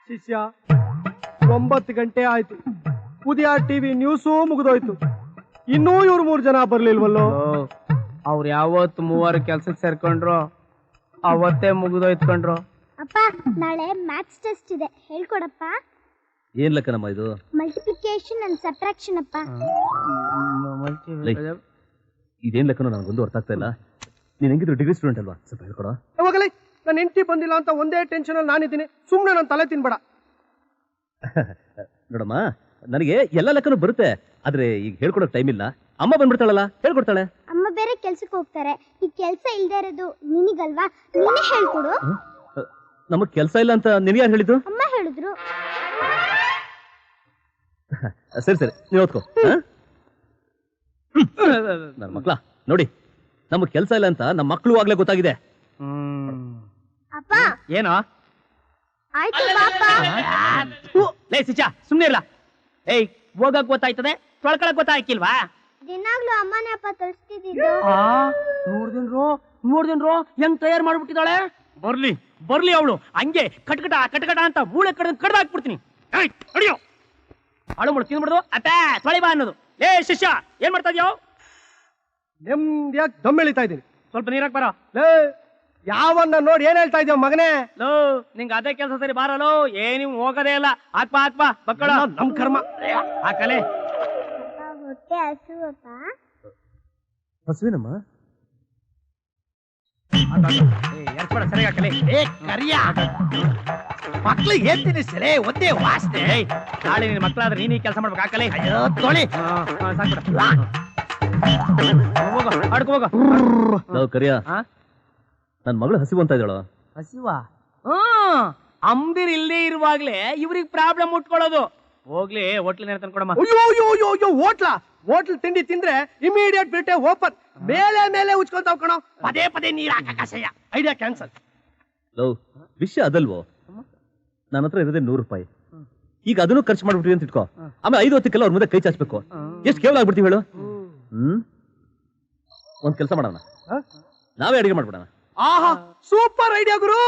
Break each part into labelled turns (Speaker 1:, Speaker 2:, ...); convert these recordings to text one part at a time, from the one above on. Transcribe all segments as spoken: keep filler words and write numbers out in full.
Speaker 1: ಶಿಷ್ಯ, ಒಂಬತ್ತು ಗಂಟೆ ಆಯ್ತು, ಉದಯ ಟಿವಿ ನ್ಯೂಸು ಮುಗಿದೋಯ್ತು, ಇನ್ನೂ ಇವ್ರು ಮೂರ್ ಜನ ಬರ್ಲಿಲ್ವಲ್ಲೋ.
Speaker 2: ಅವ್ರು ಯಾವತ್ತು ಮೂವರು ಕೆಲ್ಸಕ್ಕೆ ಸೇರ್ಕೊಂಡ್ರು ಅವತ್ತೇ ಮುಗಿದೋಯ್ತು ಕಣ್ರು.
Speaker 3: ಅಪ್ಪ, ನಾಳೆ ಮ್ಯಾಥ್ಸ್ ಟೆಸ್ಟ್ ಇದೆ, ಹೇಳ್ಕೊಡಪ್ಪ.
Speaker 4: ಏನ್ ಲೆಕ್ಕನಮ್ಮ ಇದು?
Speaker 3: ಮಲ್ಟಿಪ್ಲಿಕೇಶನ್ ಅಂಡ್ ಸಬ್ಟ್ರಾಕ್ಷನ್ ಅಪ್ಪ.
Speaker 4: ಇದೇನ್ ಲೆಕ್ಕನೋ ನನಗೊಂದು ಅರ್ಥ ಆಗ್ತಾ ಇಲ್ಲ. ನೀನ್ ಹೆಂಗಿದ್ರು ಡಿಗ್ರಿ ಸ್ಟೂಡೆಂಟ್ ಅಲ್ವಾ, ಸ್ವಲ್ಪ ಹೇಳ್ಕೊಡ.
Speaker 1: ಹೋಗಲಿ, ನನ್ನ ಹೆಂಡತಿ ಬಂದಿಲ್ಲ ಅಂತ ಒಂದೇ ಟೆನ್ಷನ್ ಅಲ್ಲಿ ನಾನಿದ್ದೀನಿ, ಸುಮ್ನೆ ನನ್ನ ತಲೆ ತಿನ್ಬೇಡ.
Speaker 4: ನೋಡಮ್ಮ, ನನಗೆ ಎಲ್ಲ ಲೆಕ್ಕನೂ ಬರುತ್ತೆ, ಆದ್ರೆ ಈಗ ಹೇಳ್ಕೊಡೋ ಟೈಮ್ ಇಲ್ಲ. ಅಮ್ಮ ಬಂದ್ಬಿಡ್ತಾಳಲ್ಲ, ಹೇಳ್ಕೊಡ್ತಾಳೆ.
Speaker 3: ಅಮ್ಮ ಬೇರೆ ಕೆಲ್ಸಕ್ಕೆ ಹೋಗ್ತಾರೆ, ಈ ಕೆಲ್ಸ ಇಲ್ದೇ ಇರೋದು ನಿನಗಲ್ವಾ, ನೀನೇ ಹೇಳ್ಕೊಡು.
Speaker 4: ನಮಗ್ ಕೆಲ್ಸ ಇಲ್ಲ ಅಂತ ನಿನಗೆ ಯಾರು ಹೇಳಿದ್ದು?
Speaker 3: ಅಮ್ಮ ಹೇಳಿದ್ರು.
Speaker 4: ಸರಿ ಸರಿ, ನೀವ್ ಓದ್ಕೋ. ನನ್ನ ಮಕ್ಳ ನೋಡಿ, ನಮಗ್ ಕೆಲ್ಸ ಇಲ್ಲ ಅಂತ ನಮ್ಮ ಮಕ್ಳು ಆಗ್ಲೇ ಗೊತ್ತಾಗಿದೆ.
Speaker 3: ಅಪ್ಪ
Speaker 2: ಏನೋ
Speaker 3: ಆಯ್ತು ಪಾಪ.
Speaker 2: ಲೇ ಸಿಚ, ಸುಮ್ನೆ ಇರ್ಲ. ಏಯ್, ಹೋಗಕ್ ಗೊತ್ತಾಯ್ತದೆ, ತೊಳ್ಕೊಳಕ್ ಗೊತ್ತಾಯ್ಕಿಲ್ವಾ?
Speaker 3: ದಿನಾಗ್ಲೂ ಅಮ್ಮನೇ ಅಪ್ಪ ತೋರಿಸ್ತಿದ್ದು.
Speaker 2: ನೋಡ್ದೇನ್ರೋ ನೋಡ್ದೇನ್ರೋ ಹೆಂಗ್ ತಯಾರು ಮಾಡ್ಬಿಟ್ಟಿದ್ದಾಳೆ. ಬರ್ಲಿ ಬರ್ಲಿ ಅವಳು ಹಂಗೆ ಕಟ್ಕಟ ಕಟ್ಕಟ ಅಂತ ಮೂಳೆ ಕಡ್ದು ಕಡ್ದು ಹಾಕ್ಬಿಡ್ತೀನಿ. ಅಡಿಯೋ ಅಳು ಮುಳು ತಿಂದ್ಬಿಡ್ದು ಅಪ್ಪ ತೊಳಿ ಬಾ ಅನ್ನೋದು. ಏ ಶಿಷ್ಯ, ಏನ್ ಮಾಡ್ತಾ ಇದ್ಯೋ?
Speaker 1: ನೆಮ್ಮದಿಯಾಗಿ ದಮ್ ಎಳಿತಾ ಇದ್ದೀನಿ.
Speaker 2: ಸ್ವಲ್ಪ ನೀರಾಕ್ ಬರೋ.
Speaker 1: ಲೇ, ಯಾವನ್ನ ನೋಡಿ ಏನ್ ಹೇಳ್ತಾ ಇದ್ಯೋ ಮಗನೇ?
Speaker 2: ಲೋ, ನಿಂಗೆ ಅದೇ ಕೆಲಸ ಸರಿ ಬಾರಲೋ, ಏನ್ ನೀವು ಹೋಗೋದೇ ಇಲ್ಲ. ಹಾಕ್ಬಾ ಹಾಕ್ಬಾ ಮಕ್ಕಳ,
Speaker 1: ನಮ್ ಕರ್ಮ.
Speaker 2: ಹಾಕಲೆ.
Speaker 3: ಹೊಟ್ಟೆ ಹಸುವಪ್ಪ.
Speaker 4: ಹಸುವಿನಮ್ಮ.
Speaker 2: ಎರ್ಸ್ಬೇಡ, ಸರಿ ಹಾಕಲೆ.
Speaker 5: ಏ ಕರಿಯ ಮಕ್ಳಿಗೆ ಏನ್ ತಿನ್ನಿಸ್ತಾರೆ, ಒಂದೇ ವಾಸನೆ.
Speaker 2: ನಾಳೆ ನಿನ್ ಮಕ್ಕಳಾದ್ರೆ ನೀನ್ ಈ ಕೆಲಸ ಮಾಡ್ಬೇಕು. ಹಾಕಲೆ.
Speaker 5: ಅಯ್ಯೋ ತೊಳಿ.
Speaker 2: ಹೋಗೋ, ಅಡ್ಕೊ ಹೋಗೋ.
Speaker 4: ನಾವು ಕರಿಯ, ನನ್ ಮಗಳು ಹಸಿವು ಅಂತ ಇದ್ದಾಳು.
Speaker 2: ಹಸಿವಾ? ಹ್ಮ್, ಅಂಬಿರ್ ಇಲ್ಲೇ ಇರುವಾಗ್ಲೇ ಇವ್ರಿಗೆ ಪ್ರಾಬ್ಲಮ್ ಉಟ್ಕೊಳ್ಳೋದು. ಹೋಗ್ಲಿ, ಹೋಟ್ಲಿನ ತಂದ್ಕೊಡಮ್ಮ.
Speaker 1: ಅಯ್ಯೋ ಅಯ್ಯೋ ಅಯ್ಯೋ ಅಯ್ಯೋ, ಹೋಟ್ಲಾ ಹೋಟ್ಲ್ ತಿಂಡಿ ತಿಂದ್ರೆ ಇಮಿಡಿಯೇಟ್ ಬಿಟ್ಟೆ ಓಪನ್, ಮೇಲೆ ಮೇಲೆ ಉಚ್ಕೊಂತಾವ್ ಕಣೋ.
Speaker 5: ಪದೇ ಪದೇ ನೀರ್ ಹಾಕಸಯ್ಯ.
Speaker 1: Idea cancel.
Speaker 4: ಲವ್, ವಿಷಯ ಅದಲ್ವೋ, ನನ್ನ ಹತ್ರ ಇರೋದೇ ನೂರು ರೂಪಾಯಿ. ಈಗ ಅದನ್ನು ಖರ್ಚು ಮಾಡ್ಬಿಟ್ರಿ ಅಂತ ಇಟ್ಕೋ, ಆಮೇಲೆ ಐದು ಹೊತ್ತಿಗೆಲ್ಲ ಅವ್ರ ಮುಂದೆ ಕೈ ಚಾಚ್ಬೇಕು. ಎಷ್ಟು ಕೇವಲ ಆಗ್ಬಿಡ್ತೀವಿ ಹೇಳು. ಹ್ಮ್, ಒಂದ್ ಕೆಲಸ ಮಾಡೋಣ, ನಾವೇ ಅಡಿಗೆ ಮಾಡ್ಬಿಡೋಣ.
Speaker 1: ಆಹಾ, ಸೂಪರ್ ಐಡಿಯಾ ಗುರು.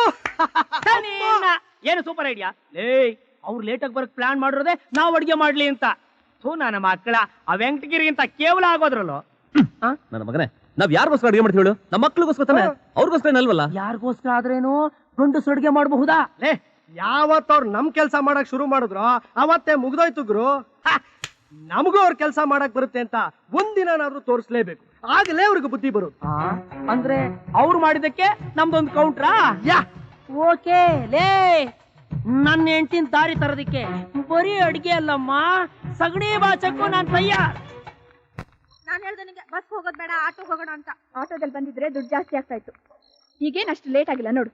Speaker 2: ಏನು ಸೂಪರ್ ಐಡಿಯಾ? ಲೇ, ಅವ್ರು ಲೇಟಾಗಿ ಬರಕ್ ಪ್ಲಾನ್ ಮಾಡಿರೋದೆ ನಾವು ಅಡಿಗೆ ಮಾಡ್ಲಿ ಅಂತ. ಥೂ, ನನ್ನ ಮಕ್ಕಳ ಆ ವೆಂಕಟಗಿರಿಗಿಂತ ಕೇವಲ ಆಗೋದ್ರಲ್ಲೋ.
Speaker 4: ನನ್ನ ಮಗನೇ, ನಾವ್ ಯಾರಿಗೋಸ್ಕರ ಅಡಿಗೆ ಮಾಡ್ತೀವಿ ಹೇಳು? ನಮ್ಮ ಮಕ್ಳಿಗೋಸ್ಕರ ತಾನೆ, ಅವ್ರಿಗೋಸ್ಕರ ಅಲ್ವಲ್ಲ.
Speaker 2: ಯಾರಿಗೋಸ್ಕರ ಆದ್ರೇನು ಗಂಡಸರು ಅಡಿಗೆ ಮಾಡಬಹುದಾ?
Speaker 1: ಲೇ, ಯಾವತ್ತ ಅವ್ರು ನಮ್ ಕೆಲ್ಸ ಮಾಡಕ್ ಶುರು ಮಾಡಿದ್ರು ಅವತ್ತೇ ಮುಗ್ದೋಯ್ತು ಗುರು. ನಮಗೂ ಅವ್ರ ಕೆಲ್ಸ ಮಾಡಕ್ ಬರುತ್ತೆ ಅಂತ ಒಂದಿನಾದ್ರೂ ತೋರಿಸ್ಲೇಬೇಕು, ಆಗಲೇ ಅವ್ರಿಗೆ ಬುದ್ಧಿ ಬರುತ್ತೆ.
Speaker 2: ಅಂದ್ರೆ ಅವ್ರು ಮಾಡಿದಕ್ಕೆ ನಮ್ದೊಂದು ಕೌಂಟ್ರಾ?
Speaker 1: ಯಾ,
Speaker 2: ಓಕೆ. ಲೇ, ನನ್ನ ಹೆಂಡತಿನ ದಾರಿ ತರೋದಿಕ್ಕೆ ಬರೀ ಅಡಿಗೆ ಅಲ್ಲಮ್ಮ, ಸಗಣಿ ಬಾಚಕ್ಕೂ ನಾನ್ ತಯ್ಯಾರ್.
Speaker 6: ನಾನು ಹೇಳ್ದೆ ನಿಂಗೆ ಬಸ್ ಹೋಗೋದ್ ಬೇಡ, ಆಟೋ ಹೋಗೋಣ ಅಂತ. ಆಟೋದಲ್ಲಿ ಬಂದಿದ್ರೆ ದುಡ್ಡು ಜಾಸ್ತಿ ಆಗ್ತಾ ಇತ್ತು. ಈಗೇನ್ ಅಷ್ಟು ಲೇಟ್ ಆಗಿಲ್ಲ ನೋಡು.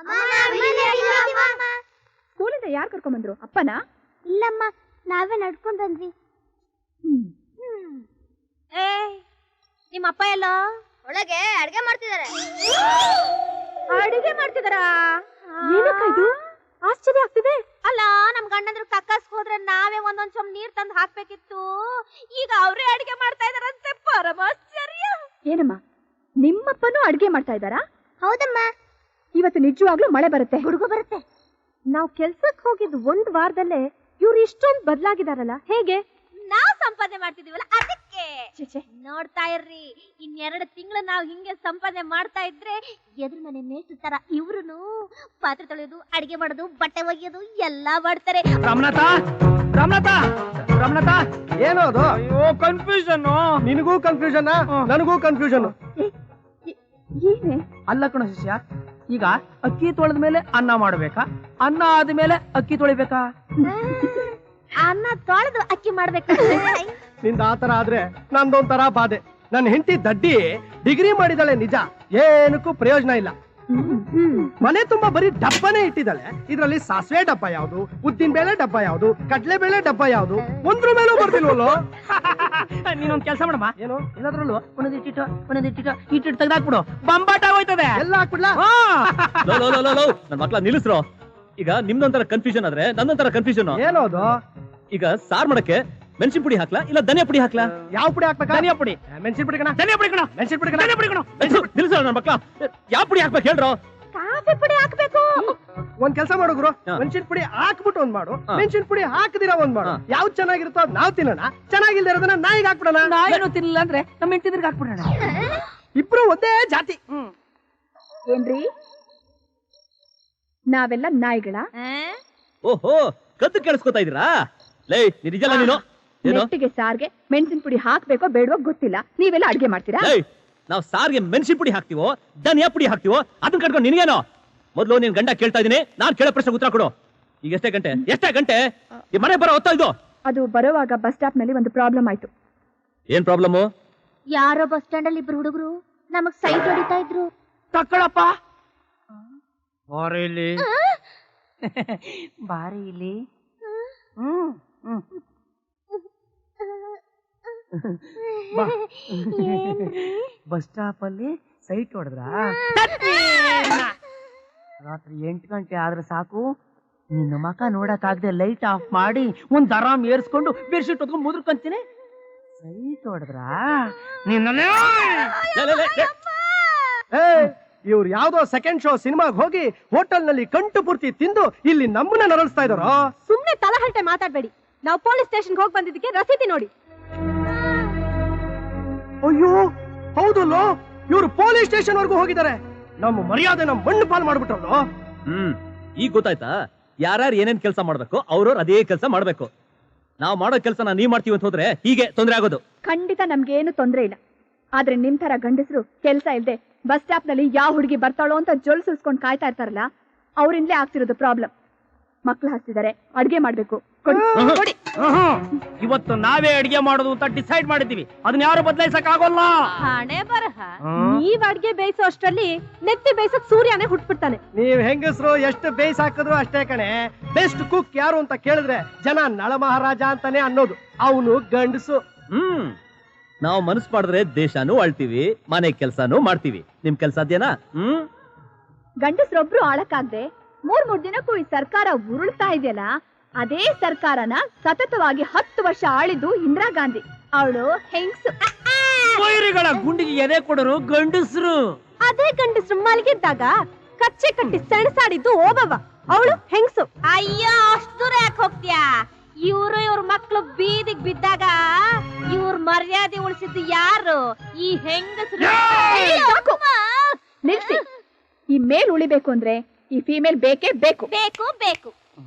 Speaker 6: ಸ್ಕೂಲಿಂದ ಯಾರು ಕರ್ಕೊಂಡ್ ಬಂದ್ರು? ಅಪ್ಪನಾ?
Speaker 3: ಇಲ್ಲಮ್ಮ, ನಾವೇ ನಡ್ಕೊಂಡ್ ಬಂದ್ವಿ.
Speaker 6: ಏ, ನಿಮ್ಮ ಅಪ್ಪ ಎಲ್ಲ
Speaker 3: ಒಳಗೆ ಅಡ್ಗೆ ಮಾಡ್ತಿದ್ದಾರೆ.
Speaker 6: ಅಡಿಗೆ ಮಾಡ್ತಿದಾರಾ? ಏನಕ್ಕ ಇದು? ಆಶ್ಚರ್ಯ ಆಗ್ತಿದೆ. ಅಲ್ಲ, ನಮ್ ಗಂಡಂದ್ರ ಕಕ್ಕಸ್ ಹೋದ್ರೆ ನಾವೇ ಒಂದೊಂದ್ ಚಮ್ ನೀರ್ ತಂದು ಹಾಕ್ಬೇಕಿತ್ತು. ಈಗ ಅವ್ರೇ ಅಡಿಗೆ ಮಾಡ್ತಾ ಇದಾರಂತೆ, ಪರಮಾಶ್ಚರ್ಯ. ಏನಮ್ಮ, ನಿಮ್ಮಪ್ಪನೂ ಅಡಿಗೆ ಮಾಡ್ತಾ ಇದ್ದಾರಾ?
Speaker 3: ಹೌದಮ್ಮ.
Speaker 6: ಇವತ್ತು ನಿಜವಾಗ್ಲೂ ಮಳೆ ಬರುತ್ತೆ,
Speaker 3: ಗುಡುಗು ಬರುತ್ತೆ.
Speaker 6: ನಾವ್ ಕೆಲ್ಸಕ್ ಹೋಗಿದ್ ಒಂದ್ ವಾರದಲ್ಲೇ ಇವ್ರು ಇಷ್ಟೊಂದ್ ಬದ್ಲಾಗಿದಾರಲ್ಲ, ಹೇಗೆ?
Speaker 7: ನಾವ್ ಸಂಪಾದನೆ ಮಾಡ್ತಿದೀವಲ್ಲ ಅದಕ್ಕೆ.
Speaker 6: ಛೆ,
Speaker 7: ನೋಡ್ತಾ ಇರ್ರಿ, ಇನ್ನೆರಡು ತಿಂಗಳು ನಾವ್ ಹಿಂಗೆ ಸಂಪಾದನೆ ಮಾಡ್ತಾ ಇದ್ರೆ ಎದುರು ಮನೆ ಮೇಷ್ಟ್ರ ತರ ಇವ್ರುನು ಪಾತ್ರೆ ತೊಳೆಯೋದು, ಅಡಿಗೆ ಮಾಡೋದು, ಬಟ್ಟೆ ಒಗೆಯೋದು ಎಲ್ಲಾ ಮಾಡ್ತಾರೆ.
Speaker 2: ರಮನಾಥ, ರಮನಾಥ, ರಮನಾಥ,
Speaker 1: ಏನೋ ಅದು?
Speaker 2: ಅಯ್ಯೋ ಕನ್ಫ್ಯೂಷನ್.
Speaker 1: ನಿನಗೂ ಕನ್ಫ್ಯೂಷನ್, ನನಗೂ ಕನ್ಫ್ಯೂಷನ್.
Speaker 6: ಏನೇ?
Speaker 2: ಅಲ್ಲ ಕಣ ಶಿಷ್ಯ, ಈಗ ಅಕ್ಕಿ ತೊಳೆದ ಮೇಲೆ ಅನ್ನ ಮಾಡ್ಬೇಕಾ, ಅನ್ನ ಆದ್ಮೇಲೆ ಅಕ್ಕಿ ತೊಳಿಬೇಕಾ?
Speaker 7: ಅನ್ನ ತೊಳೆದು ಅಕ್ಕಿ ಮಾಡ್ಬೇಕು.
Speaker 1: ನಿಂದ ಆತರ ಆದ್ರೆ ನಂದೊಂಥರ ಬಾಧೆ. ನನ್ನ ಹೆಂಡತಿ ದಡ್ಡಿ ಡಿಗ್ರಿ ಮಾಡಿದಾಳೆ ನಿಜ, ಏನಕ್ಕೂ ಪ್ರಯೋಜನ ಇಲ್ಲ. ಮನೆ ತುಂಬಾ ಬರೀ ಡಬ್ಬನೇ ಇಟ್ಟಿದ್ದಾಳೆ. ಇದ್ರಲ್ಲಿ ಸಾಸಿವೆ ಡಬ್ಬ ಯಾವ್ದು, ಉದ್ದಿನ ಬೇಳೆ ಡಬ್ಬ ಯಾವ್ದು, ಕಡ್ಲೆ ಬೇಳೆ ಡಬ್ಬ ಯಾವ್ದು, ಒಂದ್ರ ಮೇಲೂ ಬರ್ತಿಲ್ವಲ್ಲೋ.
Speaker 2: ನೀನೊಂದ್ ಕೆಲಸ ಮಾಡಮ್ಮ,
Speaker 1: ಏನು?
Speaker 2: ಎಲ್ಲದ್ರಲ್ಲೂ ಒಂದೊಂದು ಇಟ್ಟಿಟ್ಟು ಒಂದೊಂದು ಇಟ್ಟಿಟ್ಟು ಇಟ್ಟಿಟ್ಟು ತೆಗ್ದಾಕ್ಬಿಡು, ಬಂಬಾಟ ಹೋಯ್ತದೆ.
Speaker 1: ಎಲ್ಲ ಹಾಕ್ಬಿಡ್ಲಾ?
Speaker 4: ನನ್ ಮಕ್ಳ ನಿಲ್ಲಿಸ್ರು. ಈಗ ನಿಮ್ದೊಂಥರ ಕನ್ಫ್ಯೂಷನ್ ಆದ್ರೆ ನನ್ನೊಂಥರ ಕನ್ಫ್ಯೂಷನ್.
Speaker 1: ಏನೋದು?
Speaker 4: ಈಗ ಸಾರ್ ಮಾಡಕ್ಕೆ ಮೆಣಸಿನ ಪುಡಿ ಹಾಕ್ಲಾ ಇಲ್ಲ ಧನಿಯಾ ಪುಡಿ ಹಾಕ್ಲಾ?
Speaker 1: ಯಾವ ಪುಡಿ ಹಾಕ್ಬೇಕಾ?
Speaker 2: ಧನಿಯಾ ಪುಡಿ.
Speaker 1: ಮೆಣಸಿನ ಪುಡಿ ಕಣ.
Speaker 2: ಧನಿಯಾ ಪುಡಿ ಕಣ.
Speaker 1: ಮೆಣಸಿನ ಪುಡಿ ಕಣ.
Speaker 2: ಧನಿಯಾ ಪುಡಿ ಕಣ.
Speaker 4: ನಿಲ್ಲಿಸ್ರ ನನ್ನ ಮಕ್ಳ, ಯಾವ ಪುಡಿ ಹಾಕ್ಬೇಕು ಹೇಳ್ರೋ?
Speaker 6: ಕಾಫಿ ಕಾಫಿ ಪುಡಿ ಹಾಕ್ಬೇಕು.
Speaker 1: ಒಂದ್ ಕೆಲಸ ಮಾಡು ಗುರು,
Speaker 4: ಹಾ.
Speaker 1: ಮೆಣಸಿನ ಪುಡಿ ಹಾಕ್ಬಿಟ್ಟು ಒಂದ್ ಮಾಡು,
Speaker 4: ಹಾ.
Speaker 1: ಮೆಣಸಿನ ಪುಡಿ ಹಾಕದಿರ ಒಂದ್ ಮಾಡು.
Speaker 4: ಹಾ.
Speaker 1: ಯಾವ್ದು ಚೆನ್ನಾಗಿರುತ್ತೋ ಅದ್ ನಾವ್ ತಿನ್ನೋಣ, ಚೆನ್ನಾಗಿಲ್ದೇ ಇರೋದನ್ನ ನಾಯಿಗೆ ಹಾಕ್ಬಿಡೋಣ.
Speaker 2: ನಾಯಿನೂ ತಿನ್ನಿಲ್ಲ ಅಂದ್ರೆ ನಮ್ಮ ಹೆಂಡತಿದ್ರಿಗೆ ಹಾಕ್ಬಿಡೋಣ.
Speaker 1: ಇಬ್ರು ಒಂದೇ ಜಾತಿ.
Speaker 6: ಏನ್ರಿ ನಾವೆಲ್ಲ ನಾಯಿಗಳ?
Speaker 4: ಓಹೋ, ಕದ್ದು ಕೇಳಿಸ್ಕೊತಾ ಇದೀರಾ? ಲೇ ನಿಜಲ್ಲ ನೀನು ಏನು?
Speaker 6: ನೆಟ್ಟಿಗೆ ಸಾರ್ಗೆ ಮೆಣಸಿನ ಪುಡಿ ಹಾಕ್ಬೇಕೋ ಬೇಡವೋ ಗೊತ್ತಿಲ್ಲ, ನೀವೆಲ್ಲ ಅಡ್ಗೆ ಮಾಡ್ತೀರಾ?
Speaker 4: ಲೇ ನಾವ್ ಸಾರ್ಗೆ ಮೆಣಸಿನ ಪುಡಿ ಹಾಕ್ತಿವೋ ಧನಿಯಾ ಪುಡಿ ಹಾಕ್ತಿವೋ ಅದನ್ನ ಕಟ್ಕೊಂಡು ನಿನ್ಗೇನೋ? ಮೊದ್ಲು ನೀನ್ ಗಂಡ ಕೇಳ್ತಾ ಇದೀನಿ, ನಾನ್ ಕೇಳೋ ಪ್ರಶ್ನೆ ಉತ್ತರ ಕೊಡು. ಈಗ ಎಷ್ಟೇ ಗಂಟೆ ಎಷ್ಟೇ ಗಂಟೆ ಈ ಮನೆ ಬರೋ ಹೊತ್ತ ಇದು?
Speaker 6: ಅದು ಬರೋವಾಗ ಬಸ್ ಸ್ಟಾಪ್ ನಲ್ಲಿ ಒಂದು ಪ್ರಾಬ್ಲಮ್ ಆಯ್ತು.
Speaker 4: ಏನ್ ಪ್ರಾಬ್ಲಮ್?
Speaker 7: ಯಾರೋ ಬಸ್ ಸ್ಟ್ಯಾಂಡ್ ಅಲ್ಲಿ ಇಬ್ರು ಹುಡುಗರು ನಮಗ್ ಸೈಟ್ ಹೊಡಿತಾ ಇದ್ರು.
Speaker 2: ತಕ್ಕಳಪ್ಪ ಬಾರಿ ಇಲ್ಲಿ, ಬಾರಿ ಇಲ್ಲಿ. ಹ್ಮ್ ಹ್ಮ್ ಬಾ. ಬಸ್ ಸ್ಟಾಪ್ ಅಲ್ಲಿ ಸೈಟ್ ಹೊಡೆದ್ರ? ರಾತ್ರಿ ಎಂಟು ಗಂಟೆ ಆದ್ರೆ ಸಾಕು, ನಿನ್ನ ಮಕ ನೋಡಕ್ ಆಗದೆ ಲೈಟ್ ಆಫ್ ಮಾಡಿ ಒಂದ್ ಆರಾಮ್ ಏರ್ಸ್ಕೊಂಡು ಬೆಡ್ಶೀಟ್ ಹೊತ್ಕೊಂಡು ಮುದ್ರಕಂತೀನಿ. ಸೈಟ್ ಹೊಡೆದ್ರ ನಿನ್ನ
Speaker 1: ಏ ಇವ್ರು ಯಾವ್ದೋ ಸೆಕೆಂಡ್ ಶೋ ಸಿನಿಮಾಗ್ ಹೋಗಿ ಹೋಟೆಲ್ ನಲ್ಲಿ ಕಂಟು ಪೂರ್ತಿ ತಿಂದು ಇಲ್ಲಿ ನಮ್ಮನ್ನ ನರಳಿಸ್ತಾ ಇದಾರೋ.
Speaker 6: ಸುಮ್ನೆ ತಲಹರಟೆ ಮಾತಾಡ್ಬೇಡಿ. ನಾವು ಪೊಲೀಸ್ ಸ್ಟೇಷನ್ ಹೋಗಿ ಬಂದಿದ್ದಕ್ಕೆ ರಸೀದಿ ನೋಡಿ.
Speaker 1: ಅಯ್ಯೋ ಹೌದಲ್ಲೋ, ಇವ್ರು ಪೊಲೀಸ್ ಸ್ಟೇಷನ್ ವರ್ಗೂ ಹೋಗಿದ್ದಾರೆ. ನಮ್ಮ ಮರ್ಯಾದೆ ನಮ್ ಮಣ್ಣು ಪಾಲ್ ಮಾಡ್ಬಿಟ್ರಲ್ಲೋ.
Speaker 4: ಹ್ಮ್ ಈಗ ಗೊತ್ತಾಯ್ತಾ? ಯಾರ್ಯಾರು ಏನೇನ್ ಕೆಲಸ ಮಾಡ್ಬೇಕು ಅವ್ರವ್ರು ಅದೇ ಕೆಲಸ ಮಾಡ್ಬೇಕು. ನಾವ್ ಮಾಡೋ ಕೆಲಸನ ನೀವ್ ಮಾಡ್ತೀವಿ ಅಂತ ಹೋದ್ರೆ ಹೀಗೆ ತೊಂದ್ರೆ ಆಗೋದು.
Speaker 6: ಖಂಡಿತ ನಮ್ಗೇನು ತೊಂದ್ರೆ ಇಲ್ಲ. ಆದ್ರೆ ನಿಮ್ ತರ ಗಂಡಸರು ಕೆಲ್ಸ ಇಲ್ದೆ ಬಸ್ ಸ್ಟಾಪ್ ನಲ್ಲಿ ಯಾವ ಹುಡುಗಿ ಬರ್ತಾಳೋ ಅಂತ ಜೊಲ್ ಸುಲ್ಸ್ಕೊಂಡ್ ಕಾಯ್ತಾ ಇರ್ತಾರಲ್ಲ, ಅವ್ರಿಂದಲೇ ಆಗ್ತಿರೋದು ಪ್ರಾಬ್ಲಮ್. ಮಕ್ಳು ಹಸ್ತಿದ್ದಾರೆ, ಅಡ್ಗೆ ಮಾಡ್ಬೇಕು. ಕೊಡಿ, ಕೊಡಿ.
Speaker 2: ಇವತ್ತು ನಾವೇ ಅಡಿಗೆ ಮಾಡೋದು ಅಂತ ಡಿಸೈಡ್ ಮಾಡಿದೀವಿ. ಅದನ್ನ ಯಾರು ಬದಲಾಯಿಸಕ್ ಆಗೋಲ್ಲ.
Speaker 7: ಹಣೆ ಬರಹ.
Speaker 6: ನೀವ್ ಅಡ್ಗೆ ಬೇಯಿಸೋ ಅಷ್ಟ್ರಲ್ಲಿ ನೆತ್ತಿ ಬೇಯಿಸೋಕ್ ಸೂರ್ಯನೇ ಹುಟ್ಬಿಡ್ತಾನೆ.
Speaker 1: ನೀವ್ ಹೆಂಗಸರು ಎಷ್ಟು ಬೇಯಿಸ್ ಹಾಕಿದ್ರು ಅಷ್ಟೇ ಕಣೆ. ಬೆಸ್ಟ್ ಕುಕ್ ಯಾರು ಅಂತ ಕೇಳಿದ್ರೆ ಜನ ನಳ ಮಹಾರಾಜ ಅಂತಾನೆ ಅನ್ನೋದು. ಅವನು ಗಂಡಸು.
Speaker 4: ಹ್ಮ್ ನಾವು ಮನಸ್ಸು ಮಾಡಿದ್ರೆ ದೇಶನೂ ಆಳ್ತೀವಿ, ಮನೆ ಕೆಲ್ಸಾನು ಮಾಡ್ತೀವಿ. ನಿಮ್ ಕೆಲ್ಸ ಅದೇನಾ? ಹ್ಮ್
Speaker 6: ಗಂಡಸ್ರೊಬ್ರು ಆಳಕ್ಕಾಗ್ದೆ ಮೂರ್ ಮೂರ್ ದಿನಕ್ಕೂ ಈ ಸರ್ಕಾರ ಉರುಳ್ತಾ ಇದೆಯಲ್ಲ, ಅದೇ ಸರ್ಕಾರನ ಸತತವಾಗಿ ಹತ್ತು ವರ್ಷ ಆಳಿದ್ದು ಇಂದಿರಾ ಗಾಂಧಿ. ಅವಳು ಹೆಂಗ್ಸು.
Speaker 2: ವೈರಿಗಳ ಗುಂಡಿಗೆ ಎದೆ ಕೊಡರು ಗಂಡಸ್ರು.
Speaker 6: ಅದೇ ಗಂಡಸ್ರು ಮಲಗಿದ್ದಾಗ ಕಚ್ಚೆ ಕಟ್ಟಿ ಸೆಣಸಾಡಿದ್ದು ಓಬವ್ವ. ಅವಳು ಹೆಂಗ್ಸು.
Speaker 7: ಅಯ್ಯೋ ಅಷ್ಟು ದೂರ ಯಾಕೆ ಹೋಗ್ತೀಯಾ? ಇವ್ರು ಇವ್ರ ಮಕ್ಳು ಬೀದಿಗ್ ಬಿದ್ದಾಗ ಇವ್ರ ಮರ್ಯಾದೆ ಉಳಿಸಿದ್ದು ಯಾರು? ಈ ಹೆಂಗಸರು.
Speaker 6: ಸಾಕು. ನಿಲ್ಸಿ. ಈ ಮೇಲ್ ಉಳಿಬೇಕು ಅಂದ್ರೆ ಈ ಫೀಮೇಲ್ ಬೇಕೇ ಬೇಕು.
Speaker 7: ಬೇಕು ಬೇಕು.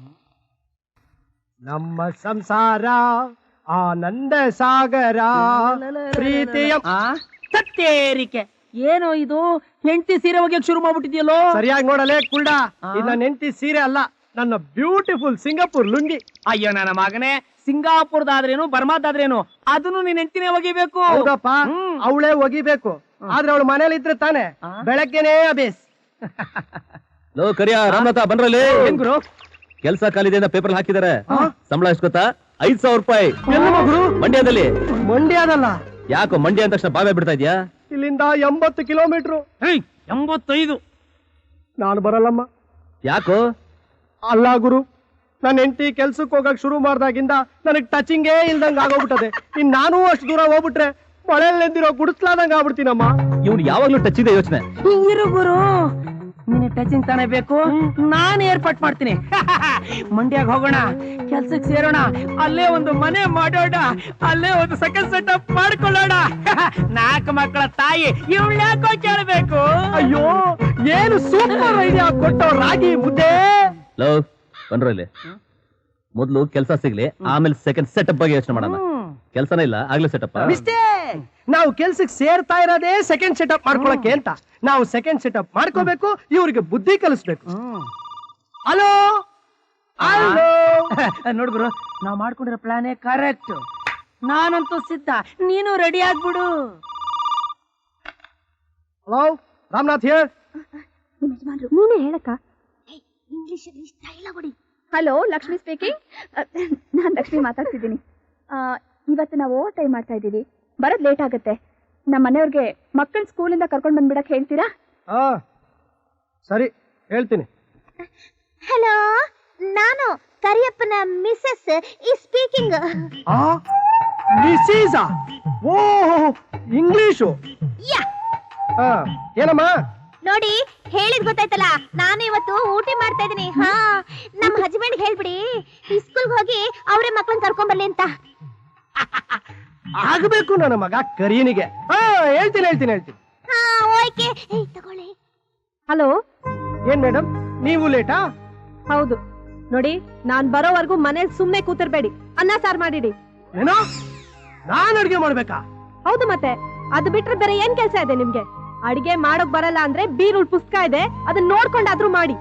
Speaker 1: ನಮ್ಮ ಸಂಸಾರ ಆನಂದ ಸಾಗರ ಪ್ರೀತಿಯ
Speaker 2: ಆ ಸತ್ತೇರಿಕೆ. ಏನೋ ಇದು ಹೆಂಡತಿ ಸೀರೆ ಒಗ್ಯಕ್ ಶುರು ಮಾಡ್ಬಿಟ್ಟಿದ್ಯಲ್ಲೋ.
Speaker 1: ಸರಿಯಾಗಿ ನೋಡಲೇ ಕುಳ್ಳ, ಇದು ನನ್ನ ಹೆಂಡತಿ ಸೀರೆ ಅಲ್ಲ, ನನ್ನ ಬ್ಯೂಟಿಫುಲ್ ಸಿಂಗಾಪುರ್ ಲುಂಗಿ.
Speaker 2: ಅಯ್ಯೋ ನನ್ನ ಮಗನೇ, ಸಿಂಗಾಪುರದಾದ್ರೇನು ಬರ್ಮಾದಾದ್ರೇನು ಅದನ್ನು ನೀನ್ ಹೆಂಡತಿನೇ ಒಗಿಬೇಕು.
Speaker 1: ಹೌದಪ್ಪ, ಅವಳೇ ಒಗಿಬೇಕು. ಆದ್ರೆ ಅವಳು ಮನೇಲಿ ಇದ್ರೆ ತಾನೆ ಬೆಳಗ್ಗೆನೇ ಅಬೇಸ್.
Speaker 4: ಲೋ ಕರಿಯ ರಾಮನಾಥ ಬನ್ರಲ್ಲಿ.
Speaker 2: ಏನ್ ಗುರು?
Speaker 4: ಕೆಲ್ಸ ಖಾಲಿದೆ ಅಂತ ಪೇಪರ್ ಹಾಕಿದಾರೆ. ಸಂಬಳ ಎಷ್ಟು ಗೊತ್ತಾ? ಐದ್ ಸಾವಿರ ರೂಪಾಯಿ.
Speaker 1: ಎಲ್ಲ ಮಗರು
Speaker 4: ಮಂಡ್ಯದಲ್ಲಿ.
Speaker 1: ಮಂಡ್ಯದಲ್ಲ.
Speaker 4: ಯಾಕೋ ಮಂಡ್ಯ ಅಂದ ತಕ್ಷಣ ಬಾವೇ ಬಿಡ್ತಾ ಇದ್ಯಾ?
Speaker 1: ಇಲ್ಲಿಂದ ಎಂಬತ್ತು ಕಿಲೋಮೀಟರ್.
Speaker 2: ಎಂಬತ್ತೈದು.
Speaker 1: ನಾನು ಬರಲ್ಲಮ್ಮ.
Speaker 4: ಯಾಕೋ?
Speaker 1: ಅಲ್ಲ ಗುರು, ನನ್ನ ಹೆಂಡತಿ ಕೆಲ್ಸಕ್ಕೆ ಹೋಗಕ್ ಶುರು ಮಾಡ್ದಾಗಿಂದ ನನಗ್ ಟಚಿಂಗೇ ಇಲ್ದಂಗ ಆಗೋಗ್ಬಿಟ್ಟದೆ. ಇನ್ ನಾನು ಅಷ್ಟು ದೂರ ಹೋಗ್ಬಿಟ್ರೆ ಮಳೆಯಲ್ಲಿ ನೆಂದಿರೋ ಗುಡಿಸ್ಲಾದಂಗ ಆಗ್ಬಿಡ್ತೀನಮ್ಮ.
Speaker 4: ಇವ್ನು ಯಾವಾಗ್ಲೂ ಟಚ್ ಇದೆ ಯೋಚನೆ.
Speaker 2: ಇರು ಗುರು, ನೀನು ಟಚಿಂಗ್ ತಾನೇ ಬೇಕು, ನಾನು ಏರ್ಪಾಟ್ ಮಾಡ್ತೀನಿ. ಮಂಡ್ಯಾಗ ಹೋಗೋಣ, ಕೆಲ್ಸಕ್ಕೆ ಸೇರೋಣ, ಅಲ್ಲೇ ಒಂದು ಮನೆ ಮಾಡೋಣ, ಅಲ್ಲೇ ಒಂದು ಸೆಕೆಂಡ್ ಸೆಟಪ್ ಮಾಡ್ಕೊಳ್ಳೋಣ. ನಾಲ್ಕು ಮಕ್ಕಳ ತಾಯಿ ಇವಳು ಯಾಕೋ ಕೇಳಬೇಕು?
Speaker 1: ಅಯ್ಯೋ ಏನು ಸೂಪರ್ ಐಡಿಯಾ ಕೊಟ್ಟೋ ರಾಗಿ ಮುದ್ದೆ.
Speaker 4: ಲೋ ಬನ್ರಲ್ಲಿ. ಮೊದ್ಲು ಕೆಲ್ಸ ಸಿಗ್ಲಿ, ಆಮೇಲೆ ಸೆಕೆಂಡ್ ಸೆಟಪ್ ಬಗ್ಗೆ ಯೋಚನೆ ಮಾಡೋಣ. ಕೆಲ್ಸನೇ ಇಲ್ಲ ಆಗ್ಲೇ ಸೆಟಪ್.
Speaker 1: ಮಿಸ್ಟೇಕ್. ನಾವು ಕೆಲ್ಸಕ್ಕೆ ಸೇರ್ತಾ ಇರೋದೇ ಸೆಕೆಂಡ್ ಸೆಟಪ್ ಮಾಡ್ಕೊಳಕ್ಕೆ ಅಂತ. ನಾವು ಸೆಕೆಂಡ್ ಸೆಟಪ್ ಮಾಡ್ಕೋಬೇಕು, ಇವ್ರಿಗೆ ಬುದ್ಧಿ ಕಲಿಸ್ಬೇಕು. Hello hello.
Speaker 2: ನೋಡ್ ಗುರು, ನಾವ್ ಮಾಡ್ಕೊಂಡಿರೋ ಪ್ಲಾನೇ ಕರೆಕ್ಟ್. ನಾನಂತೂ ಸಿದ್ಧ, ನೀನು ರೆಡಿ ಆಗ್ಬಿಡು.
Speaker 1: Hello Ramanath here.
Speaker 6: ನೀನೇ ಹೇಳಕ್ಕ.
Speaker 7: ಇಂಗ್ಲಿಷ್ ಅಲ್ಲಿ ಸ್ಟೈಲ್ ಕೊಡಿ.
Speaker 6: Hello, Lakshmi speaking. ನಾನ್ ಲಕ್ಷ್ಮಿ ಮಾತಾಡ್ತಿದ್ದೀನಿ. ಇವತ್ತು ನಾವು ಓವರ್ ಟೈಮ್ ಮಾಡ್ತಾ ಇದ್ದೀವಿ, ಬರೋದ್ ಲೇಟ್ ಆಗುತ್ತೆ. ನಮ್ಮ ಮನೆಯವ್ರಿಗೆ ಮಕ್ಕಳ ಸ್ಕೂಲಿಂದ ಕರ್ಕೊಂಡ್ ಬಂದ್ಬಿಡಕ್ ಹೇಳ್ತೀರಾ?
Speaker 1: ಹಾ ಸರಿ, ಹೇಳ್ತೀನಿ.
Speaker 7: ಹಲೋ, ನಾನು ಕರಿಯಪ್ಪನ ಮಿಸಸ್ ಈ ಸ್ಪೀಕಿಂಗ್.
Speaker 1: ಮಿಸೀಸ? ಓ ಇಂಗ್ಲಿಷು.
Speaker 7: ಯಾ
Speaker 1: ಹಾ ಏನಮ್ಮ?
Speaker 7: ನೋಡಿ, ಹೇಳಿದ್ ಗೊತ್ತಾಯ್ತಲ್ಲ, ನಾನು ಇವತ್ತು ಊಟಿ ಮಾಡ್ತಾ ಇದೀನಿ. ಹಾ, ನಮ್ ಹಸ್ಬೆಂಡ್ ಹೇಳ್ಬಿಡಿ ಈ ಸ್ಕೂಲ್ಗೆ ಹೋಗಿ ಅವರೇ ಮಕ್ಳನ್ನ ಕರ್ಕೊಂಡ್ ಬರ್ಲಿ ಅಂತ.
Speaker 1: ಆಗ್ಬೇಕು ನನ್ನ ಮಗ ಕರೀನಿಗೆ. ಹಾ ಹೇಳ್ತೀನಿ ಹೇಳ್ತೀನಿ ಹೇಳ್ತೀನಿ.
Speaker 7: ಹಾ ಓಕೆ. ಏಯ್ ತಗೊಳ್ಳಿ.
Speaker 6: ಹಲೋ,
Speaker 1: ಏನ್ ಮೇಡಮ್ ನೀವು ಲೇಟಾ?
Speaker 6: ಹೌದು ನೋಡಿ, ನಾನ್ ಬರೋವರೆಗೂ ಮನೇಲಿ ಸುಮ್ನೆ ಕೂತಿರ್ಬೇಡಿ, ಅನ್ನ ಸಾರ್ ಮಾಡಿಡಿ.
Speaker 1: ಏನೋ ನಾನ್ ಅಡ್ಗೆ ಮಾಡ್ಬೇಕಾ?
Speaker 6: ಹೌದು ಮತ್ತೆ, ಅದು ಬಿಟ್ರೆ ಬೇರೆ ಏನ್ ಕೆಲ್ಸ ಇದೆ ನಿಮ್ಗೆ? ಅಡಿಗೆ ಮಾಡೋಕ್ ಬರಲ್ಲ ಅಂದ್ರೆ ಬೀರುಳ್ ಪುಸ್ತಕ ಇದೆ, ಅದನ್ನ ನೋಡ್ಕೊಂಡಾದ್ರೂ ಮಾಡಿ.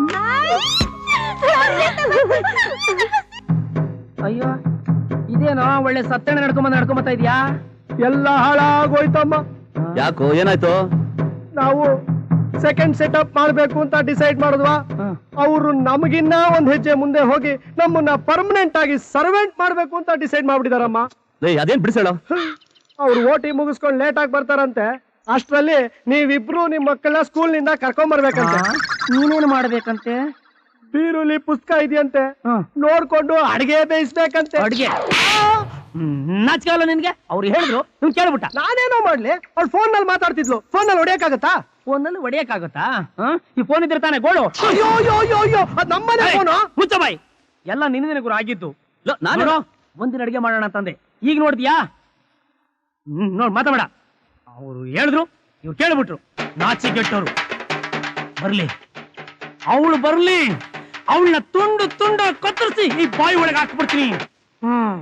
Speaker 2: ಅಯ್ಯೋ, ಇದೇನೋ ಒಳ್ಳೆ ಸತ್ತಣೆ ನಡ್ಕೊಂಬಂದ್ ನಡ್ಕೊಂಬತ್ತಾ ಇದ್ಯಾ?
Speaker 1: ಎಲ್ಲ ಹಾಳಾಗೋಯ್ತಮ್ಮ.
Speaker 4: ಯಾಕೋ ಏನಾಯ್ತು?
Speaker 1: ನಾವು ಸೆಕೆಂಡ್ ಸೆಟಪ್ ಮಾಡ್ಬೇಕು ಅಂತ ಡಿಸೈಡ್ ಮಾಡಿದ್ವಾ. ಅವರು ನಮಗಿನ್ನ ಒಂದ್ ಹೆಜ್ಜೆ ಮುಂದೆ ಹೋಗಿ ನಮ್ಮನ್ನ ಪರ್ಮನೆಂಟ್ ಆಗಿ ಸರ್ವೆಂಟ್ ಮಾಡ್ಬೇಕು ಅಂತ ಡಿಸೈಡ್ ಮಾಡ್ಬಿಟ್ಟಿದಾರಮ್ಮ.
Speaker 4: ಅದೇನ್ ಬಿಡಿಸೇಳ?
Speaker 1: ಅವ್ರು ಓಟಿ ಮುಗಿಸ್ಕೊಂಡು ಲೇಟ್ ಆಗಿ ಬರ್ತಾರಂತೆ. ಅಷ್ಟ್ರಲ್ಲಿ ನೀವಿಬ್ರು ನಿಮ್ ಮಕ್ಕಳನ್ನ ಸ್ಕೂಲ್ ನಿಂದ ಕರ್ಕೊಂಡ್ ಬರ್ಬೇಕಂತೆ.
Speaker 2: ನೀನೇನು ಮಾಡ್ಬೇಕಂತೆ?
Speaker 1: ಬೀರುಲಿ ಪುಸ್ತಕ ಇದೆಯಂತೆ, ನೋಡ್ಕೊಂಡು ಅಡಿಗೆ ಬೇಯಿಸ್ಬೇಕಂತೆ.
Speaker 2: ಅಡ್ಗೆ ನಾಚಿಕಲ್ಲ ನಿನ್ಗೆ? ಅವ್ರು ಹೇಳಿದ್ರು, ನೀವ್ ಕೇಳ್ಬಿಟ್ಟ.
Speaker 1: ನಾನೇನೋ ಮಾಡ್ಲಿ, ಅವ್ಳು ಫೋನ್ ನಲ್ಲಿ ಮಾತಾಡ್ತಿದ್ಲು. ಫೋನ್ ನಲ್ಲಿ ಹೊಡಿಯಕ್ಕಾಗತ್ತಾ?
Speaker 2: ಫೋನಲ್ಲಿ ಹೊಡಿಯಕ್ಕಾಗತ್ತಾ? ಈ ಫೋನ್ ಇದ್ರೆ ತಾನೇ ಗೋಳು.
Speaker 1: ಅಯ್ಯೋ ಅಯ್ಯೋ ಅಯ್ಯೋ ಅಯ್ಯೋ, ಅದ್ ನಮ್ಮನೆ ಫೋನು.
Speaker 2: ಮುಚ್ಚ ಬಾಯ್, ಎಲ್ಲ ನಿನ್ನ ಗುರು ಆಗಿದ್ದು. ನಾನು ಒಂದಿನ ಅಡಿಗೆ ಮಾಡೋಣ ಅಂತಂದೆ, ಈಗ ನೋಡ್ತೀಯಾ? ಹ್ಮ್ ನೋಡ್ ಮಾತಾಡ. ಅವ್ರು ಹೇಳಿದ್ರು, ಇವ್ರು ಕೇಳ್ಬಿಟ್ರು. ನಾಚಿಗೆಟ್ಟವ್ರು. ಬರ್ಲಿ, ಅವಳು ಬರ್ಲಿ, ಅವಳನ್ನ ತುಂಡು ತುಂಡು ಕತ್ತರಿಸಿ ಈ ಬಾಯಿ ಒಳಗೆ ಹಾಕ್ಬಿಡ್ತೀನಿ. ಹ್ಮ್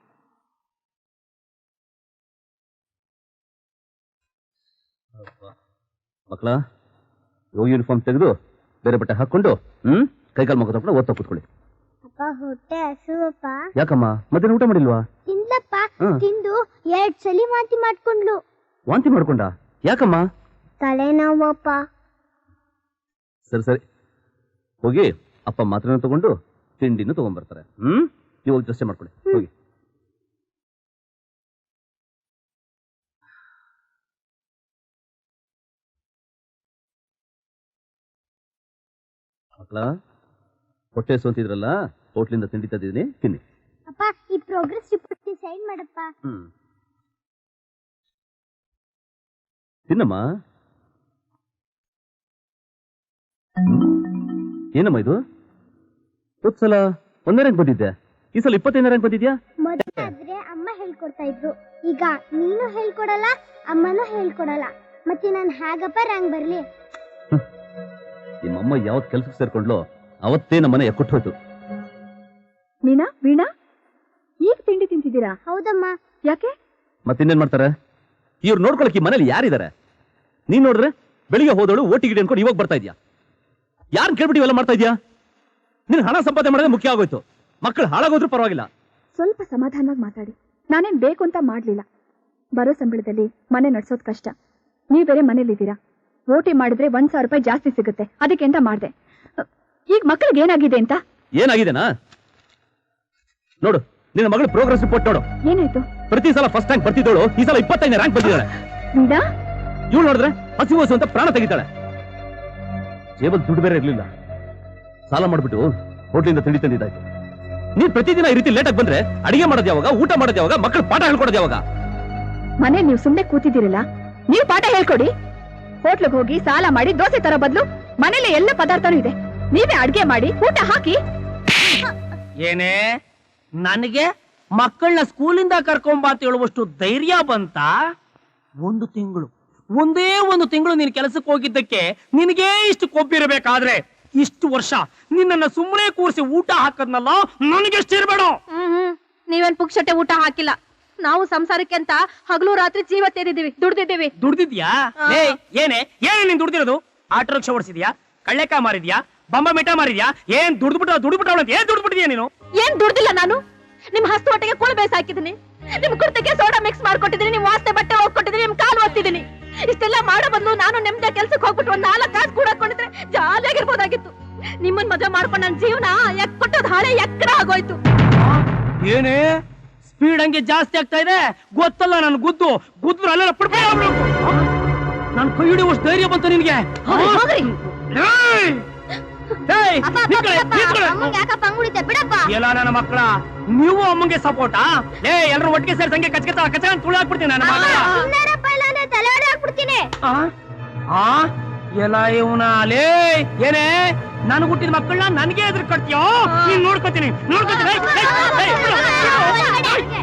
Speaker 4: ಮಕ್ಕಳ, ಯೂನಿಫಾರ್ಮ್ ತೆಗೆದು ಬೇರೆ ಬಟ್ಟೆ ಹಾಕೊಂಡು ಹ್ಮ್ ಕೈಕಾಲು ಮಗ ತಗೊಂಡು ಓದ್ತಾ ಕೂತ್ಕೊಳ್ಳಿ.
Speaker 3: ಅಪ್ಪ ಹೊಟ್ಟೆ ಹಸುವಪ್ಪ.
Speaker 4: ಯಾಕಮ್ಮ ಮಧ್ಯಾಹ್ನ ಊಟ ಮಾಡಿಲ್ವಾ?
Speaker 3: ತಿನ್ಲಪ್ಪ,
Speaker 4: ಹ್ಮ್.
Speaker 3: ತಿಂದು ಎರಡ್ ಸಲಿ ವಾಂತಿ ಮಾಡ್ಕೊಂಡ್ಲು.
Speaker 4: ವಾಂತಿ ಮಾಡ್ಕೊಂಡ? ಯಾಕಮ್ಮ?
Speaker 3: ತಲೆನೋವಪ್ಪ.
Speaker 4: ಸರಿ ಸರಿ, ಹೋಗಿ ಅಪ್ಪ ಮಾತ್ರನ ತಗೊಂಡು ತಿಂಡಿನೂ ತಗೊಂಡ್ಬರ್ತಾರೆ. ಹ್ಮ್ ನೀವು ಹೋಗಿ ದೃಶ್ಯ ಮಾಡ್ಕೊಳ್ಳಿ, ಹೋಗಿ. ಮಕ್ಕಳ, ಹೊಟ್ಟೆ ಸೋಂತಿದ್ರಲ್ಲ, ಹೋಟ್ಲಿಂದ ತಿಂಡಿ ತಂದಿದ್ದೀನಿ, ತಿನ್ನಿ.
Speaker 3: ಅಪ್ಪ ಈ ಪ್ರೋಗ್ರೆಸ್ ರಿಪೋರ್ಟ್ ಸೈನ್ ಮಾಡಪ್ಪ.
Speaker 4: ಹ್ಮ್ ತಿನ್ನಮ್ಮ. ಏನಮ್ಮ ಇದು? ಹೋದ್ ಸಲ ಒಂದನೇ ರ್ಯಾಂಕ್ ಬಂದಿದ್ದೆ, ಈ ಸಲ ಇಪ್ಪತ್ತೈದನೇ ರ್ಯಾಂಕ್ ಬಂದಿದ್ಯಾ?
Speaker 3: ಮೊದಲಾದ್ರೆ ಅಮ್ಮ ಹೇಳ್ಕೊಡ್ತಾ ಇದ್ರು, ಈಗ ನೀನು ಹೇಳ್ಕೊಡಲ್ಲ, ಅಮ್ಮನೂ ಹೇಳ್ಕೊಡಲ್ಲ. ಮತ್ತೆ ನಾನು ಹೇಗಪ್ಪ ರ್ಯಾಂಕ್ ಬರ್ಲಿ?
Speaker 4: ನಿಮ್ಮಮ್ಮ ಯಾವತ್ ಕೆಲ್ಸಕ್ಕೆ ಸೇರ್ಕೊಂಡ್ಲೋ ಅವತ್ತೇ ನಮ್ಮನೆ ಎಕ್ಕುಟ್ಟು ಹೋಯ್ತು.
Speaker 6: ಮೀನಾ, ವೀಣಾ, ಈಗ ತಿಂಡಿ ತಿಂತಿದ್ದೀರಾ?
Speaker 3: ಹೌದಮ್ಮ.
Speaker 6: ಯಾಕೆ?
Speaker 4: ಮತ್ತಿನ್ನೇನ್ ಮಾಡ್ತಾರೆ? ಇವ್ರು ನೋಡ್ಕೊಳಕ್ ಈ ಮನೇಲಿ ಯಾರಿದ್ದಾರೆ? ನೀನ್ ನೋಡ್ರೆ ಬೆಳಿಗ್ಗೆ ಹೋದಳು ಓಟಿ ಗಿಡಿ ಅನ್ಕೊಂಡು ಇವಾಗ ಬರ್ತಾ ಇದ್ಯಾ. ಯಾರನ್ನ ಕೇಳ್ಬಿಟ್ಟು ಇವೆಲ್ಲ ಮಾಡ್ತಾ ಇದ್ಯಾ? ನಿನ್ ಹಣ ಸಂಪಾದನೆ ಮಾಡೋದೇ ಮುಖ್ಯ ಆಗೋಯ್ತು. ಮಕ್ಕಳು ಹಾಳಾಗೋದ್ರೂ ಪರವಾಗಿಲ್ಲ.
Speaker 6: ಸ್ವಲ್ಪ ಸಮಾಧಾನವಾಗಿ ಮಾತಾಡಿ. ನಾನೇನ್ ಬೇಕು ಅಂತ ಮಾಡ್ಲಿಲ್ಲ. ಬರೋ ಸಂಬಳದಲ್ಲಿ ಮನೆ ನಡ್ಸೋದ್ ಕಷ್ಟ. ನೀವ್ ಬೇರೆ ಮನೇಲಿದ್ದೀರಾ. ಓಟಿ ಮಾಡಿದ್ರೆ ಒಂದ್ ಸಾವಿರ ರೂಪಾಯಿ ಜಾಸ್ತಿ ಸಿಗುತ್ತೆ, ಅದಕ್ಕೆ ಅಂತ ಮಾಡ್ದೆ. ಈಗ ಮಕ್ಕಳಿಗೆ ಏನಾಗಿದೆ ಅಂತ?
Speaker 4: ಏನಾಗಿದೆನಾ ನೋಡು, ನಿನ್ನ ಮಗಳು ಪ್ರೋಗ್ರೆಸ್ ರಿಪೋರ್ಟ್ ನೋಡು.
Speaker 6: ಏನಾಯ್ತು?
Speaker 4: ಪ್ರತಿ ಸಲ ಫಸ್ಟ್ ರ್ಯಾಂಕ್ ಬರ್ತಿದ್ದೋಳು ಈ ಸಲ ಇಪ್ಪತ್ತೈದನೇ ರ್ಯಾಂಕ್ ಬಂದಿದ್ದಾಳೆ.
Speaker 6: ವೀಣಾ,
Speaker 4: ಇವಳು ನೋಡಿದ್ರೆ ಹಸಿವು ಹಸು ಅಂತ ಪ್ರಾಣ ತೆಗಿತಾಳೆ. ಜೇಬಲ್ ದುಡ್ಡು ಬೇರೆ ಇರ್ಲಿಲ್ಲ, ಸಾಲ ಮಾಡ್ಬಿಟ್ಟು ಹೋಟ್ಲಿಂದ ತಿಂಡಿ ತಂದಿದ್ದಾಯ್ತು. ನೀನ್ ಪ್ರತಿದಿನ ಈ ರೀತಿ ಲೇಟಾಗಿ ಬಂದ್ರೆ ಅಡಿಗೆ ಮಾಡೋದು ಯಾವಾಗ, ಊಟ ಮಾಡೋದು ಯಾವಾಗ, ಮಕ್ಕಳು ಪಾಠ ಹೇಳ್ಕೊಡೋದು ಯಾವಾಗ?
Speaker 6: ಮನೆ ನೀವು ಸುಮ್ನೆ ಕೂತಿದ್ದೀರಲ್ಲ, ನೀವು ಪಾಠ ಹೇಳ್ಕೊಡಿ. ಹೋಟ್ಲಿಗೆ ಹೋಗಿ ಸಾಲ ಮಾಡಿ ದೋಸೆ ತರ ಬದಲು ಮನೇಲಿ ಎಲ್ಲ ಪದಾರ್ಥನೂ ಇದೆ, ನೀವೇ ಅಡ್ಗೆ ಮಾಡಿ ಊಟ ಹಾಕಿ.
Speaker 2: ಏನೇ ನನಗೆ ಮಕ್ಕಳನ್ನ ಸ್ಕೂಲಿಂದ ಕರ್ಕೊಂಬ ಅಂತ ಹೇಳುವಷ್ಟು ಧೈರ್ಯ ಬಂತ? ಒಂದು ತಿಂಗಳು, ಒಂದೇ ಒಂದು ತಿಂಗಳು ನೀನ್ ಕೆಲಸಕ್ಕೆ ಹೋಗಿದ್ದಕ್ಕೆ ನಿನಗೇ ಇಷ್ಟು ಕೊಬ್ಬಿರಬೇಕಾದ್ರೆ ಇಷ್ಟು ವರ್ಷ ನಿನ್ನನ್ನ ಸುಮ್ಮನೆ ಕೂರಿಸಿ ಊಟ ಹಾಕದ್ನಲ್ಲ, ನನಗೆಷ್ಟು ಇರಬೇಡ.
Speaker 6: ಹ್ಮ್ ನೀವೇನ್ ಪುಕ್ಷಟೆ ಊಟ ಹಾಕಿಲ್ಲ. ನಾವು ಸಂಸಾರಕ್ಕೆ ಅಂತ ಹಗಲು ರಾತ್ರಿ ಜೀವ ತೆರಿದೀವಿ, ದುಡ್ದಿದ್ದೀವಿ.
Speaker 2: ದುಡ್ದಿದ್ಯಾ? ಏ ಏನೇ ಏನೇ ನೀನ್ ದುಡ್ದಿರೋದು? Auto rickshaw ಓಡಿಸಿದ್ಯಾ? ಕಳ್ಳೆಕಾಯಿ ಮಾರಿದ್ಯಾ? ಬಂಬ ಮಿಠ ಮಾರಿದ್ಯಾ? ಏನ್ ದುಡ್ದ್ಬಿಟ್ಟು ದುಡ್ಬಿಟ್ಟ ಏನ್ ದುಡ್ಬಿಟ್ಟಿದ್ಯಾ ನೀನು?
Speaker 6: ಏನ್ ದುಡ್ದಿಲ್ಲ ನಾನು. ನಿಮ್ ಹಸ್ತು ಹೊಟ್ಟೆಗೆ ಕುಳು ಬೇಸ್ ಹಾಕಿದೀನಿ, ನಿಮ್ ಕುರ್ತೆಗೆ ಸೋಡಾ ಮಿಕ್ಸ್ ಮಾಡ್ಕೊಟ್ಟಿದೀನಿ, ನಿಮ್ ವಾಸ್ತೆ ಬಟ್ಟೆ ಹೋಗ್ಕೊಟ್ಟಿದೀನಿ, ನಿಮ್ ಕಾಲು ಒತ್ತಿದೀನಿ. ಇಷ್ಟೆಲ್ಲ ಮಾಡೋ ಬದಲು ನಾನು ನೆಮ್ಮದಿ ಕೆಲ್ಸಕ್ಕೆ ಹೋಗ್ಬಿಟ್ಟು ಒಂದ್ ನಾಲ್ಕು ಕಾಸು ಕೂಡ ಹಾಕೊಂಡಿದ್ರೆ ಜಾಲಿಯಾಗಿರ್ಬೋದಾಗಿತ್ತು. ನಿಮ್ಮನ್ ಮದುವೆ ಮಾಡ್ಕೊಂಡು ನನ್ನ ಜೀವನ ಎಕ್ ಕೊಟ್ಟೋದ್ ಹಾಳೆ ಎಕ್ಕರ ಆಗೋಯ್ತು.
Speaker 2: ಏನೇ ಸ್ಪೀಡ್ ಹಂಗೆ ಜಾಸ್ತಿ ಆಗ್ತಾ ಇದೆ ಗೊತ್ತಲ್ಲ? ನನ್ ಗುದ್ದು ಗುದ್ರು ಅಲ್ಲೆಲ್ಲ ಪಡ್ಪಡ ನನ್ ಕೈ ಹಿಡಿಯುವಷ್ಟು ಧೈರ್ಯ ಬಂತು ನಿನ್ಗೆ? ಎಲ್ಲ ನನ್ನ ಮಕ್ಕಳ, ನೀವು ಅಮ್ಮಂಗೆ ಸಪೋರ್ಟಾ? ಏ ಎಲ್ರು ಒಟ್ಟಿಗೆ ಸೇರಿ ಸಂಗೆ ಕಚ್ ಕಚ ಕಚ ತುಳು ಹಾಕ್ಬಿಡ್ತೀನಿ ನನ್ನ ಮಗ. ಎಲ್ಲ ಇವನ ಲೇ ಏನೇ ನಾನು ಹುಟ್ಟಿದ ಮಕ್ಕಳನ್ನ ನನಗೆ ಎದುರು ಕಟ್ತೀಯೋ ನೀನ್ ನೋಡ್ಕೊತೀನಿ ನೋಡ್ಕೊತೀನಿ ಏಯ್, ಏಯ್, ಏಯ್, ಬಿಡು, ಬಿಡು.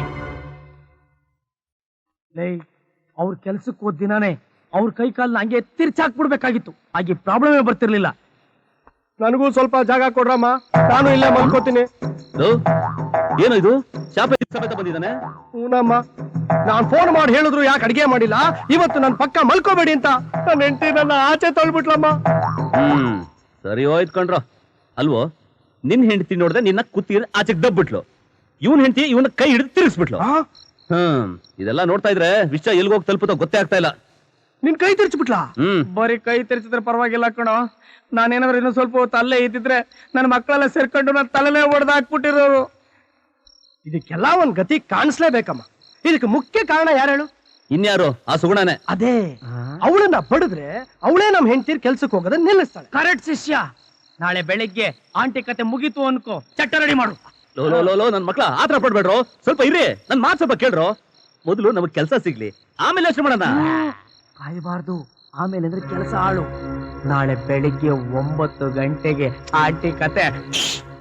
Speaker 2: ಲೇ ಅವ್ರ ಕೆಲ್ಸಕ್ಕೆ ಹೋದ ದಿನಾನೇ ಅವ್ರ ಕೈ ಕಾಲ್ನ ಹಂಗೆ ತಿರ್ಚಾಕ್ಬಿಡ್ಬೇಕಾಗಿತ್ತು ಹಾಗೆ ಪ್ರಾಬ್ಲಮೇ ಬರ್ತಿರ್ಲಿಲ್ಲ.
Speaker 1: ನನಗೂ ಸ್ವಲ್ಪ ಜಾಗ ಕೊಡ್ರಮ್ಮ, ನಾನು ಇಲ್ಲೇ ಮಲ್ಕೋತೀನಿ.
Speaker 4: ಲೋ, ಏನು ಇದು ಶಾಪ ಸಮೇತ ಬಂದಿದ್ದಾನೆ?
Speaker 1: ಹೂನಮ್ಮ, ನಾನ್ ಫೋನ್ ಮಾಡಿ ಹೇಳಿದ್ರು ಯಾಕೆ ಅಡಿಗೆ ಮಾಡಿಲ್ಲ, ಇವತ್ತು ನನ್ ಪಕ್ಕ ಮಲ್ಕೋಬೇಡಿ ಅಂತ ನನ್ನ ಹೆಂಡತಿ ನನ್ನ ಆಚೆ ತಳ್ಬಿಟ್ಲಮ್ಮ.
Speaker 4: ಹ್ಮ್ ಸರಿ ಹೋಯ್ತು ಕಣ್ರೋ. ಅಲ್ವೋ, ನಿನ್ ಹೆಂಡತಿ ನೋಡ್ದೆ ನಿನ್ನ ಕುತ್ತಿ ಆಚೆಗೆ ದಬ್ಬಿಟ್ಲು, ಇವನ್ ಹೆಂಡತಿ ಇವನ ಕೈ ಹಿಡಿದು ತಿರುಗಿಸ್ಬಿಟ್ಲು. ಹ್ಮ್ ಇದೆಲ್ಲ ನೋಡ್ತಾ ಇದ್ರೆ ವಿಷಯ ಎಲ್ಗೋಗಿ ತಲುಪುತ್ತೋ ಗೊತ್ತೇ ಆಗ್ತಾ ಇಲ್ಲ.
Speaker 1: ನಿನ್ ಕೈ ತಿರ್ಚ್ಬಿಟ್ಲಾ?
Speaker 4: ಹ್ಮ್
Speaker 2: ಬರೀ ಕೈ ತೆರೆಸಿದ್ರೆ ಪರವಾಗಿಲ್ಲ ಕಣೋ, ನಾನೇನಾದ್ರು ಇನ್ನೂ ಸ್ವಲ್ಪ ಹೊತ್ತು ಅಲ್ಲೇ ಇದ್ದಿದ್ರೆ ನನ್ನ ಮಕ್ಕಳೆಲ್ಲ ಸೇರ್ಕೊಂಡು ನನ್ನ ತಲೆನೇ ಹೊಡೆದು ಹಾಕ್ಬಿಟ್ಟಿರೋರು.
Speaker 1: ಇದಕ್ಕೆಲ್ಲ ಒಂದ್ ಗತಿ ಕಾಣಿಸ್ಲೇಬೇಕಮ್ಮ. ಇದಕ್ಕೆ ಮುಖ್ಯ ಕಾರಣ ಯಾರು ಹೇಳು?
Speaker 4: ಇನ್ಯಾರು? ಆ ಸುಗುಣನೇ.
Speaker 1: ಅದೇ, ಅವಳನ್ನ ಬಡಿದ್ರೆ ಅವಳೇ ನಮ್ ಹೆಂಡತಿರ್ ಕೆಲ್ಸಕ್ಕೆ ಹೋಗೋದನ್ನ ನಿಲ್ಲಿಸ್ತಾಳೆ.
Speaker 2: ಕರೆಕ್ಟ್ ಶಿಷ್ಯ. ನಾಳೆ ಬೆಳಿಗ್ಗೆ ಆಂಟಿ ಕತೆ ಮುಗೀತು ಅನ್ಕೋ, ಚಟ್ಟ ರೆಡಿ ಮಾಡು.
Speaker 4: ಲೋ ಲೋ ಲೋ ಲೋ ನನ್ ಮಕ್ಳ ಆತರ ಪಡ್ಬೇಡ್ರೋ, ಸ್ವಲ್ಪ ಇರ್ರಿ, ನನ್ ಮಾತ್ ಸ್ವಲ್ಪ ಕೇಳ್ರೋ. ಮೊದಲು ನಮಗ್ ಕೆಲ್ಸ ಸಿಗ್ಲಿ, ಆಮೇಲೆ ಯೋಚನೆ ಮಾಡೋಣ.
Speaker 2: ಕಾಯಬಾರ್ದು, ಆಮೇಲೆ ಅಂದ್ರೆ ಕೆಲಸ ಆಳು. ನಾಳೆ ಬೆಳಿಗ್ಗೆ ಒಂಬತ್ತು ಗಂಟೆಗೆ ಆಂಟಿ ಕತೆ